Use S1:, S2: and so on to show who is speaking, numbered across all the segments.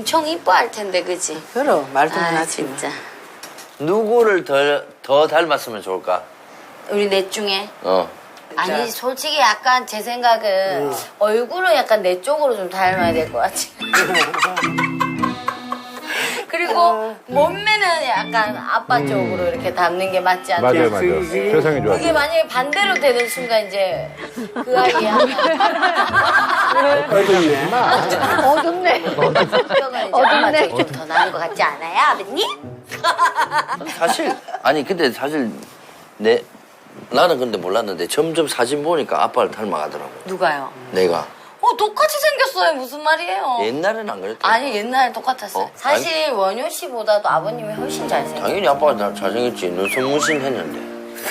S1: 엄청 이뻐할 텐데, 그지?
S2: 그럼 말도
S1: 아,
S2: 하지.
S1: 진짜.
S3: 누구를 더 닮았으면 좋을까?
S1: 우리 넷 중에. 아니, 솔직히 약간 제 생각은 얼굴은 약간 내 쪽으로 좀 닮아야 될 것 같지. 그리고 몸매는 약간 아빠 쪽으로 이렇게 닮는 게 맞지 않나?
S4: 맞아요, 맞아요. 세상이 좋아.
S1: 그게 만약에 반대로 되는 순간 이제 그 아이야.
S2: 어둡네.
S1: 어둡네. 좀더 나은 것 같지 않아요, 아버님?
S3: 사실 아니 근데 사실 나는 근데 몰랐는데 점점 사진 보니까 아빠를 닮아가더라고.
S1: 누가요?
S3: 내가.
S1: 똑같이 생겼어요. 무슨 말이에요?
S3: 옛날에는 안 그랬다.
S1: 아니, 옛날에 똑같았어요. 사실 원효 씨보다도 아버님이 훨씬 잘생겼어요.
S3: 당연히 아빠가 잘생겼지. 눈썹 문신했는데.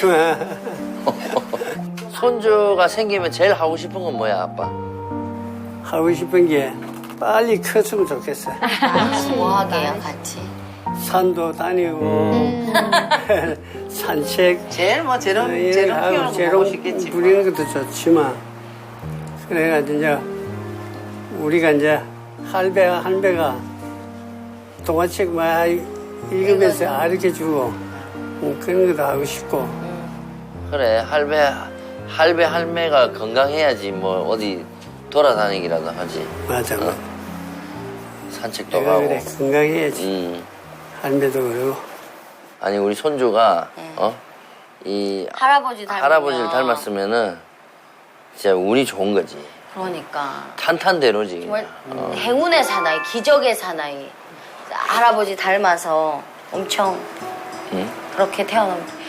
S3: 손주가 생기면 제일 하고 싶은 건 뭐야, 아빠?
S5: 하고 싶은 게 빨리 컸으면 좋겠어.
S1: 뭐 하게요, 같이?
S5: 산도 다니고 산책
S2: 제일 뭐 재롱 피우는 거 보고 싶겠지.
S5: 부리는 것도 좋지만 그래가지고 이제 우리가 이제 할배가 동화책 많이 읽으면서 가르쳐주고 그런 것도 하고 싶고.
S3: 그래, 할매가 건강해야지 뭐 어디 돌아다니기라도 하지.
S5: 맞아.
S3: 산책도
S5: 내가
S3: 가고.
S5: 그래 건강해야지. 할배도 그러고.
S3: 아니 우리 손주가 이
S1: 할아버지를
S3: 닮았으면은 진짜 운이 좋은 거지.
S1: 그러니까.
S3: 탄탄대로지.
S1: 정말 행운의 사나이, 기적의 사나이. 할아버지 닮아서 엄청 그렇게 태어나면